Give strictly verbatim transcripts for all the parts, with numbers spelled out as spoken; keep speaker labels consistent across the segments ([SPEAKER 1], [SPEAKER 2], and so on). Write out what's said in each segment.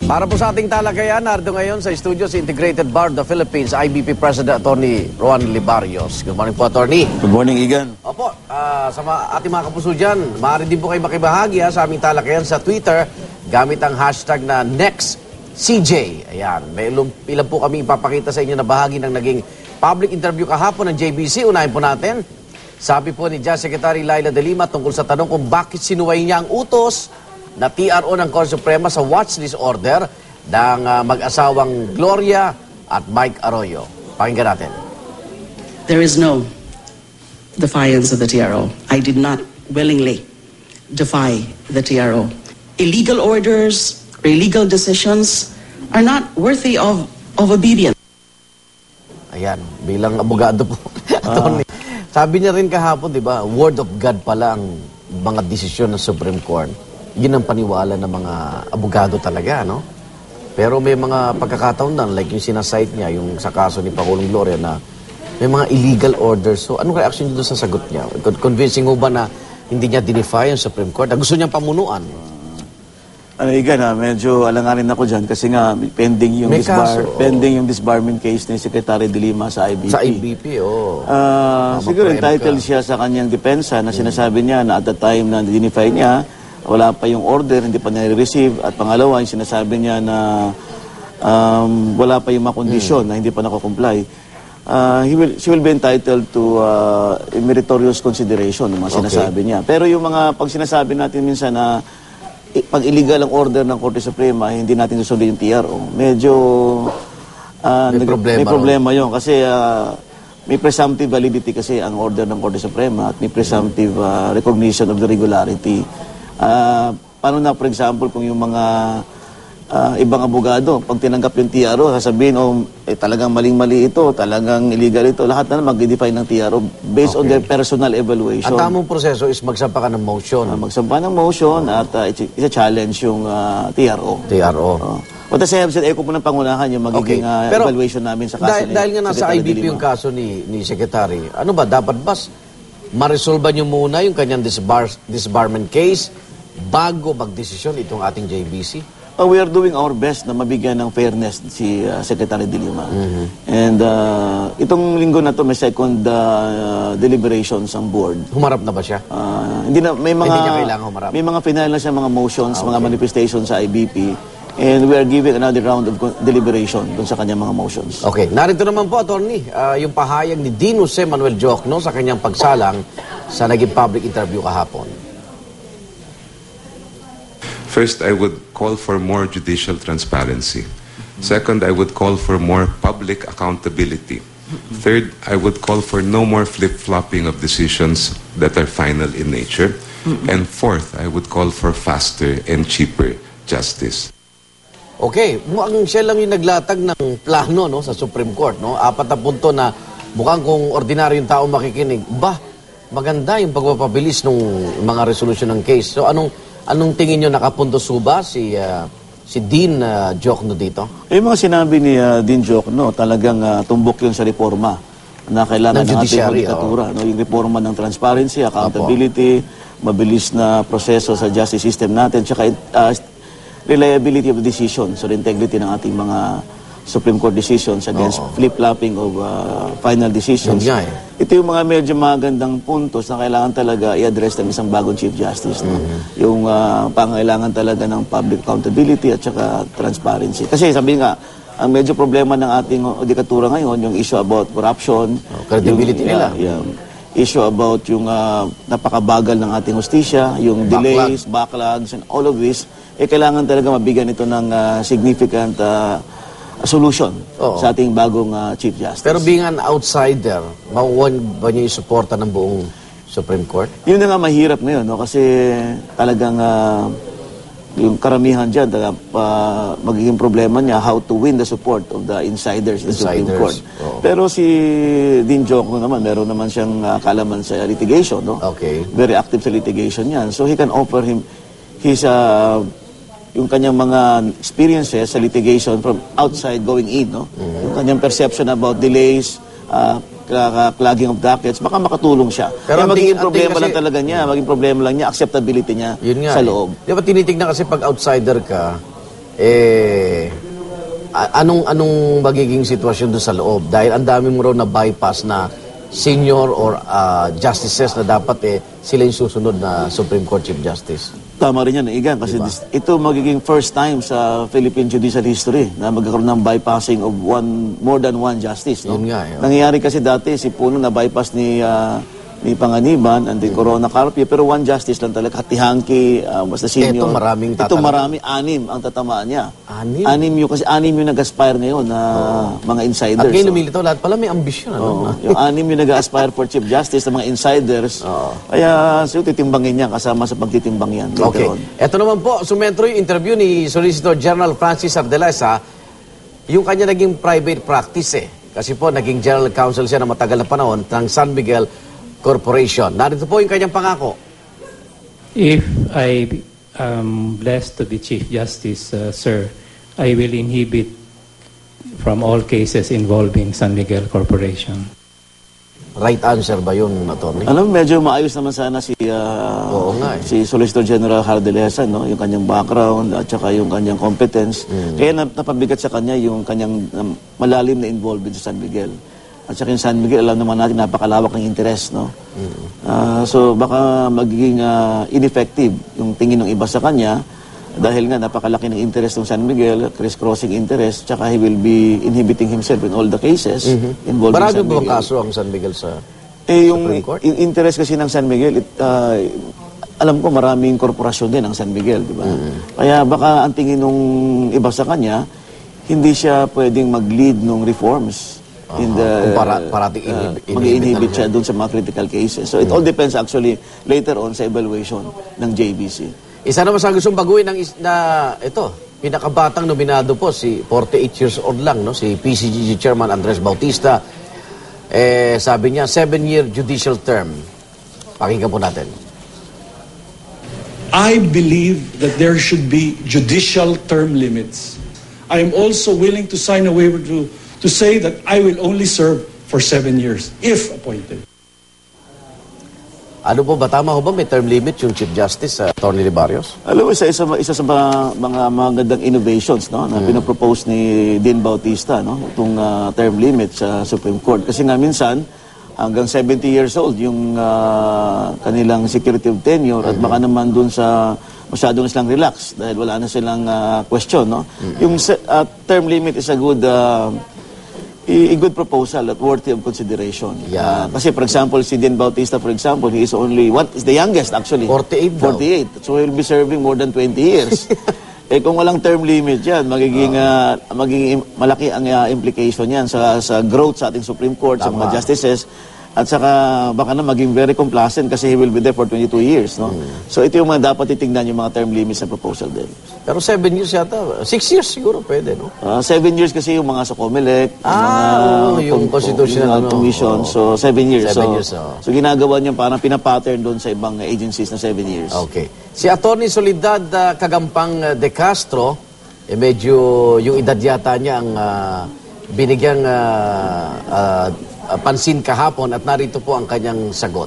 [SPEAKER 1] Para po sa ating talakayan, narito ngayon sa studio si Integrated Bar of the Philippines, I B P President Attorney Roan Libarios. Good morning po, Attorney.
[SPEAKER 2] Good morning, Igan.
[SPEAKER 1] Opo, uh, sa mga, ating mga kapuso dyan, maaari din po kayo makibahagi ha, sa aming talakayan sa Twitter gamit ang hashtag na NextCJ. Ayan, may ilang, ilan po kami ipapakita sa inyo na bahagi ng naging public interview kahapon ng J B C. Unahin po natin. Sabi po ni Justice Secretary Laila De Lima tungkol sa tanong kung bakit sinuway niya ang utos na T R O ng Korte Suprema sa watchlist order ng uh, mag-asawang Gloria at Mike Arroyo. Pakinggan natin.
[SPEAKER 3] There is no defiance of the T R O. I did not willingly defy the T R O. Illegal orders or illegal decisions are not worthy of, of obedience.
[SPEAKER 1] Ayan, bilang abogado po. Attorney, sabi niya rin kahapon, di ba, word of God pala ang mga desisyon ng Supreme Court. Yun ang paniwala ng mga abogado talaga, no? Pero may mga pagkakataon na, like yung sinasite niya, yung sa kaso ni Pangulong Gloria na may mga illegal orders. So, anong reaction niyo doon sa sagot niya? Convincing mo ba na hindi niya dinefy yung Supreme Court? Na gusto niyang pamunuan?
[SPEAKER 2] Ano, Igan, ha, medyo alanganin ako dyan kasi nga pending yung, disbar, kaso, oh. pending yung disbarment case ni Secretary De Lima sa I B P.
[SPEAKER 1] Sa I B P, oo. Oh.
[SPEAKER 2] Uh, siguro entitled ka. siya sa kanyang depensa na sinasabi niya na at the time na dinefy niya, wala pa yung order, hindi pa nire-receive. At pangalawa, yung sinasabi niya na um, wala pa yung mga kondisyon hmm. na hindi pa nakakomply. Uh, he will, she will be entitled to uh, meritorious consideration ng mga sinasabi okay. niya. Pero yung mga pag sinasabi natin minsan na pag illegal ang order ng Korte Suprema, hindi natin susundin yung T R O. Medyo uh,
[SPEAKER 1] may, problema,
[SPEAKER 2] may problema yun. Kasi uh, may presumptive validity kasi ang order ng Korte Suprema at may presumptive uh, recognition of the regularity. Uh, paano na, for example, kung yung mga uh, ibang abogado, pag tinanggap yung T R O, sasabihin, oh, eh, talagang maling-mali ito, talagang illegal ito, lahat na mag-define ng T R O based okay. on their personal evaluation.
[SPEAKER 1] Ang tamang proseso is magsampa ka ng motion.
[SPEAKER 2] Uh, magsampa ng motion oh. at uh, isa-challenge yung uh, T R O.
[SPEAKER 1] T R O.
[SPEAKER 2] Uh, What I have said, eh, kung po ng pangunahan yung magiging okay. uh, Pero, evaluation namin sa kaso
[SPEAKER 1] dahil,
[SPEAKER 2] ni
[SPEAKER 1] dahil nga nasa I B P yung kaso ni, ni Secretary, ano ba, dapat ba ma-resolve niyo muna yung kanyang disbar, disbarment case bago magdesisyon itong ating J B C?
[SPEAKER 2] Uh, we are doing our best na mabigyan ng fairness si uh, Secretary De Lima. Mm-hmm. And uh, itong linggo na to may second uh, deliberations ang board.
[SPEAKER 1] Humarap na ba siya?
[SPEAKER 2] Uh, hindi na may mga
[SPEAKER 1] hindi niya kailangan humarap.
[SPEAKER 2] May mga final na siya mga motions, ah, okay. mga manifestations sa I B P. And we are giving another round of deliberation dun sa kanyang mga motions.
[SPEAKER 1] Okay. Narito naman po, Attorney, uh, yung pahayag ni Dean Jose Manuel Diokno sa kanyang pagsalang sa naging public interview kahapon.
[SPEAKER 4] First, I would call for more judicial transparency. Second, I would call for more public accountability. Third, I would call for no more flip-flopping of decisions that are final in nature. And fourth, I would call for faster and cheaper justice.
[SPEAKER 1] Okay, mukhang siya lang yung naglatag ng plano no, sa Supreme Court. No? Apat na punto na mukhang kung ordinaryong tao makikinig, bah, maganda yung pagpapabilis ng mga resolution ng case. So anong anong tingin nyo, nakapuntos ba si, uh, si Dean uh, Diokno dito?
[SPEAKER 2] Eh, mga sinabi ni uh, Dean Diokno, talagang uh, tumbok yun sa reforma na kailangan ng ating judikatura. Oh. No? Yung reforma ng transparency, accountability, Apo. mabilis na proseso sa justice system natin, tsaka uh, reliability of the decision, so the integrity ng ating mga Supreme Court decisions against oh. flip-flopping of uh, final decisions.
[SPEAKER 1] Yeah, eh.
[SPEAKER 2] Ito yung mga medyo magandang puntos na kailangan talaga i-address ng isang bagong Chief Justice. No? Mm-hmm. Yung uh, pangailangan talaga ng public accountability at saka transparency. Kasi sabi nga, ang medyo problema ng ating judikatura ngayon, yung issue about corruption,
[SPEAKER 1] oh, credibility
[SPEAKER 2] yung,
[SPEAKER 1] nila.
[SPEAKER 2] Uh, yung issue about yung uh, napakabagal ng ating hustisya, yung
[SPEAKER 1] Backlog.
[SPEAKER 2] delays, backlogs, and all of this, eh kailangan talaga mabigyan ito ng uh, significant uh, solution Oo. sa ating bagong uh, Chief Justice.
[SPEAKER 1] Pero being an outsider, makukuha ba niyo yung suporta ng buong Supreme Court?
[SPEAKER 2] Yun na nga mahirap ngayon, no? Kasi talagang uh, yung karamihan dyan, uh, magiging problema niya how to win the support of the insiders in the Supreme Court. Oo. Pero si Dean Diokno naman, meron naman siyang uh, kalaman sa litigation. No?
[SPEAKER 1] Okay.
[SPEAKER 2] Very active sa litigation yan. So he can offer him his... Uh, yung kanyang mga experiences sa litigation from outside going in, no? Mm-hmm. Yung kanyang perception about delays, uh, clogging of dockets, baka makatulong siya. Pero magiging problema kasi, lang talaga niya, maging problema lang niya, acceptability niya
[SPEAKER 1] yun nga,
[SPEAKER 2] sa loob.
[SPEAKER 1] Eh. Di ba tinitignan kasi pag outsider ka, eh, a- anong, anong magiging sitwasyon doon sa loob? Dahil ang dami mo raw na bypass na senior or ah, justices na dapat eh, sila yung susunod na Supreme Court Chief Justice.
[SPEAKER 2] Tama rin yan, Igan, kasi this- ito magiging first time sa Philippine judicial history na magkakaroon ng bypassing of one more than one justice. No?
[SPEAKER 1] Yun nga, eh, oh.
[SPEAKER 2] Nangyayari kasi dati, si Puno na bypass ni ah, ni Panganiban and then Corona Carpio, pero one justice lang talaga, Hatihangki, uh, basta senior.
[SPEAKER 1] Ito maraming
[SPEAKER 2] Ito
[SPEAKER 1] tatama.
[SPEAKER 2] marami, anim ang tatamaan niya.
[SPEAKER 1] Anim?
[SPEAKER 2] Anim yung, kasi anim yung nag-aspire ngayon na mga insiders.
[SPEAKER 1] At ngayon
[SPEAKER 2] So,
[SPEAKER 1] lumilitaw, lahat pala may ambisyon. Ano?
[SPEAKER 2] Oo. Yung anim yung nag-aspire for Chief Justice ng mga insiders. Kaya so, titimbangin niya kasama sa pagtitimbang yan later
[SPEAKER 1] Okay.
[SPEAKER 2] on.
[SPEAKER 1] Ito naman po, sumentro yung interview ni Solicitor General Francis Ardelesa, yung kanya naging private practice eh. Kasi po, naging general counsel siya na matagal na panahon ng San Miguel Corporation. Narito po yung kanyang pangako.
[SPEAKER 5] If I am blessed to be Chief Justice, uh, sir, I will inhibit from all cases involving San Miguel Corporation.
[SPEAKER 1] Right answer ba yun, attorney?
[SPEAKER 2] Alam, medyo maayos naman sana si ah,
[SPEAKER 1] Oo nga eh.
[SPEAKER 2] si Solicitor General Ardelesa, no? Yung kanyang background at saka yung kanyang competence.
[SPEAKER 1] Mm.
[SPEAKER 2] Kaya nap- napabigat sa kanya yung kanyang um, malalim na involvement sa San Miguel. At saka yung San Miguel, alam naman natin, napakalawak ng interest, no? Ah, so baka magiging ah, ineffective yung tingin ng iba sa kanya dahil nga napakalaki ng interest ng San Miguel, criss-crossing interest, tsaka he will be inhibiting himself in all the cases involving
[SPEAKER 1] Marami
[SPEAKER 2] San
[SPEAKER 1] ba bang
[SPEAKER 2] Miguel.
[SPEAKER 1] kaso ang San Miguel sa...
[SPEAKER 2] Eh, yung
[SPEAKER 1] Supreme Court?
[SPEAKER 2] yung interest kasi ng San Miguel, it, ah, alam ko maraming korporasyon din ang San Miguel, di ba? Kaya baka ang tingin nung iba sa kanya, hindi siya pwedeng mag-lead ng reforms. In the,
[SPEAKER 1] Kung para- parating
[SPEAKER 2] ah,
[SPEAKER 1] inhibit- inhibit
[SPEAKER 2] mag-inhibit
[SPEAKER 1] lang
[SPEAKER 2] siya doon sa mga critical cases. So it all depends actually later on sa evaluation ng J B C.
[SPEAKER 1] Isa naman sa gustong baguhin ng is- na ito, pinakabatang nominado po, si forty-eight years old lang, no? Si P C G G Chairman Andres Bautista. Eh, sabi niya, seven-year judicial term. Pakinggan po natin.
[SPEAKER 6] I believe that there should be judicial term limits. I am also willing to sign a waiver to, to say that I will only serve for seven years, if appointed.
[SPEAKER 1] Ano po ba, tama ho ba may term limit yung Chief Justice, uh, Attorney Barrios?
[SPEAKER 2] Alam mo, isa, isa, isa sa mga, mga magandang innovations no, na pinapropose ni Dean Bautista, no, itong ah, term limit sa Supreme Court. Kasi nga minsan, hanggang seventy years old yung ah, kanilang security of tenure at baka naman dun sa masyado na silang relax dahil wala na silang ah, question. No? Yung se- ah, term limit is a good ah, i- a good proposal at worthy of consideration.
[SPEAKER 1] Yeah.
[SPEAKER 2] Ah, kasi for example, si Dean Bautista, for example, he is only, what is the youngest actually?
[SPEAKER 1] forty-eight daw.
[SPEAKER 2] forty-eight. So he'll be serving more than twenty years. Eh kung walang term limit yan, magiging, ah, magiging im- malaki ang ah, implication yan sa, sa growth sa ating Supreme Court, sa
[SPEAKER 1] Tama.
[SPEAKER 2] mga justices, at saka baka na maging very complacent kasi he will be there for twenty-two years. No? So ito yung mga dapat titingnan yung mga term limits sa proposal din.
[SPEAKER 1] Pero seven years yata. Six years siguro pwede, no?
[SPEAKER 2] Ah, seven years kasi yung mga sa COMELEC, yung
[SPEAKER 1] Ah,
[SPEAKER 2] mga
[SPEAKER 1] oo, yung
[SPEAKER 2] com-
[SPEAKER 1] constitutional,
[SPEAKER 2] yung,
[SPEAKER 1] ano,
[SPEAKER 2] commission.
[SPEAKER 1] oo.
[SPEAKER 2] So seven years.
[SPEAKER 1] Seven
[SPEAKER 2] so,
[SPEAKER 1] years, oo.
[SPEAKER 2] so ginagawa niyo parang pinapattern doon sa ibang agencies na seven years.
[SPEAKER 1] Okay. Si Attorney Solidad uh, Kagampang uh, De Castro, eh medyo yung edad yata niya ang uh, binigyang uh, uh, uh, pansin kahapon at narito po ang kanyang sagot.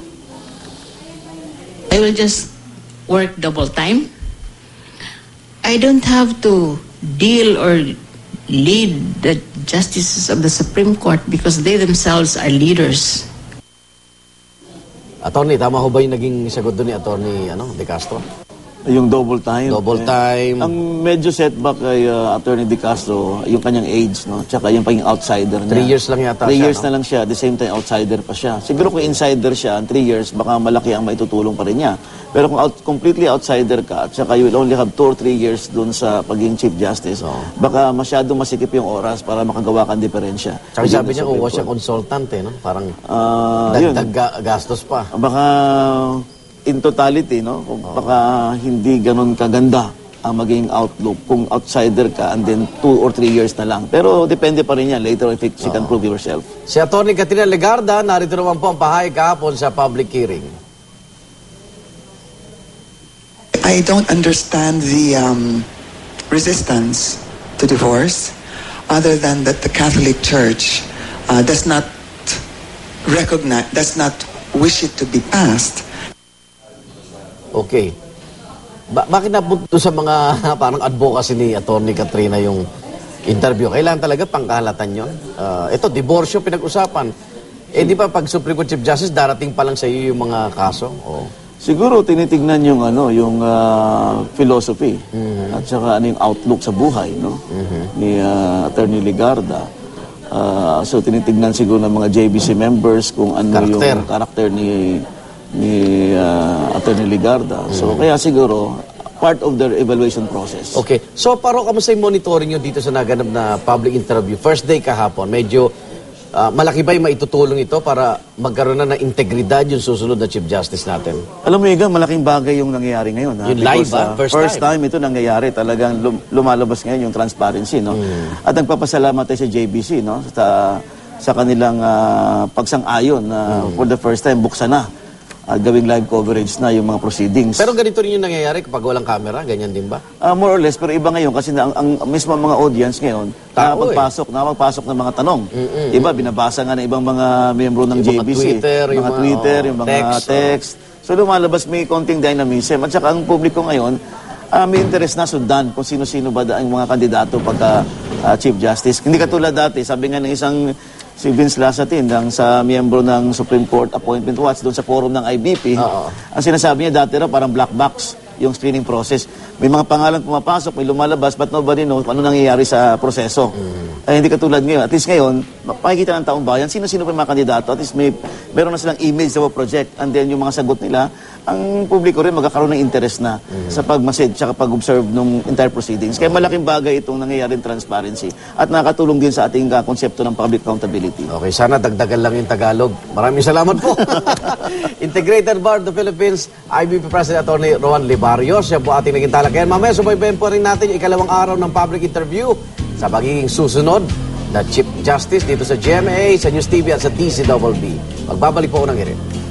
[SPEAKER 7] I will just work double time. I don't have to deal or lead the justices of the Supreme Court because they themselves are leaders.
[SPEAKER 1] Attorney, tama ho ba yung naging sagot doon ni Attorney ano, De Castro?
[SPEAKER 2] Yung double time.
[SPEAKER 1] Double
[SPEAKER 2] eh,
[SPEAKER 1] time.
[SPEAKER 2] Ang medyo setback kay uh, Attorney De Castro, yung kanyang age, no? Tsaka yung pagiging outsider niya.
[SPEAKER 1] Three years lang yata
[SPEAKER 2] Three
[SPEAKER 1] siya,
[SPEAKER 2] years
[SPEAKER 1] no?
[SPEAKER 2] na lang siya. At the same time, outsider pa siya. Siguro kung insider siya, ang three years, baka malaki ang maitutulong pa rin niya. Pero kung out, completely outsider ka, at saka you will only have two or three years dun sa pagiging Chief Justice, baka masyado masikip yung oras para makagawa kang diferensya.
[SPEAKER 1] Tsaka
[SPEAKER 2] Within
[SPEAKER 1] sabi
[SPEAKER 2] the
[SPEAKER 1] niya kung
[SPEAKER 2] Supreme
[SPEAKER 1] was siya
[SPEAKER 2] Court.
[SPEAKER 1] consultant eh, no? Parang
[SPEAKER 2] Ah, yun.
[SPEAKER 1] dagdag ga- gastos pa.
[SPEAKER 2] Baka in totality, no? Kung baka hindi ganun kaganda ang maging outlook kung outsider ka and then two or three years na lang. Pero depende pa rin yan later if it, she can prove yourself.
[SPEAKER 1] Si Attorney Katrina Legarda, narito naman po ang pahayag kahapon sa public hearing.
[SPEAKER 8] I don't understand the um, resistance to divorce, other than that the Catholic Church uh, does not recognize, does not wish it to be passed.
[SPEAKER 1] Okay. Ba- bakit napunto sa mga parang advocacy ni Attorney Katrina yung interview? Kailangan talaga pangkahalatan yun. Ah, ito, diborsyo pinag-usapan. Eh di ba pag Supreme Court Chief Justice, darating pa lang sa iyo yung mga kaso? O,
[SPEAKER 2] Siguro tinitingnan yung ano, yung ah, philosophy at saka ano yung outlook sa buhay, no? Ni ah, Attorney Ligarda. Ah, so tinitingnan siguro ng mga J B C members kung ano
[SPEAKER 1] Karakter.
[SPEAKER 2] yung karakter ni ni ah, Attorney Ligarda. So kaya siguro part of their evaluation process.
[SPEAKER 1] okay. So, paro, kamusta yung monitoring nyo dito sa naganap na public interview? First day kahapon, medyo ah, malaki ba yung maitutulong ito para magkaroon na ng integridad yung susunod na Chief Justice natin?
[SPEAKER 2] Alam mo, Igan, malaking bagay yung nangyayari ngayon. Ha?
[SPEAKER 1] Yung live,
[SPEAKER 2] Because,
[SPEAKER 1] ah,
[SPEAKER 2] ah,
[SPEAKER 1] first
[SPEAKER 2] first
[SPEAKER 1] time.
[SPEAKER 2] time. ito nangyayari. Talagang lum- lumalabas ngayon yung transparency. No? At nagpapasalamat tayo sa J B C no? sa, sa kanilang ah, pagsang-ayon na for the first time buksan na at gawing live coverage na yung mga proceedings.
[SPEAKER 1] Pero ganito rin yung nangyayari kapag walang camera, ganyan din ba?
[SPEAKER 2] Ah, more or less, pero iba ngayon kasi na, ang, ang mismo mga audience ngayon,
[SPEAKER 1] Tao,
[SPEAKER 2] nakapagpasok, nakapagpasok ng mga tanong. Iba, binabasa nga ng ibang mga miyembro ng
[SPEAKER 1] Yung mga
[SPEAKER 2] J B C.
[SPEAKER 1] Twitter, yung
[SPEAKER 2] mga
[SPEAKER 1] mga,
[SPEAKER 2] Twitter,
[SPEAKER 1] oh,
[SPEAKER 2] yung mga
[SPEAKER 1] text,
[SPEAKER 2] text. So lumalabas may konting dynamism. At saka ang publiko ngayon, ah, may interest na sundan kung sino-sino ba da- ang mga kandidato pagka ah, Chief Justice. Hindi katulad dati, sabi nga ng isang si Vince Lasatin ng sa miyembro ng Supreme Court Appointment Watch doon sa forum ng I B P.
[SPEAKER 1] Oo.
[SPEAKER 2] Ang sinasabi niya dati raw parang black box yung screening process. May mga pangalan pumapasok, may lumalabas, but nobody knows kung ano nangyayari sa proseso. Ay, hindi katulad ngayon. At least ngayon, makikita ng taong bayan, sino-sino pa yung mga kandidato. At least may, meron na silang image sa project. And then yung mga sagot nila, ang publiko rin magkakaroon ng interest na sa pagmasid at pag-observe ng entire proceedings. Kaya malaking bagay itong nangyayaring transparency. At nakatulong din sa ating uh, konsepto ng public accountability.
[SPEAKER 1] Okay, sana dagdagan lang yung Tagalog. Maraming salamat po. Integrated Bar of the Philippines, I B P President Attorney Rowan Libario. Siya po ating naging talakayan. Mamaya, subaybayan po rin natin yung ikalawang araw ng public interview sa magiging susunod na Chief Justice dito sa G M A, sa News T V at sa D C B B. Magbabalik po ako ng hirit.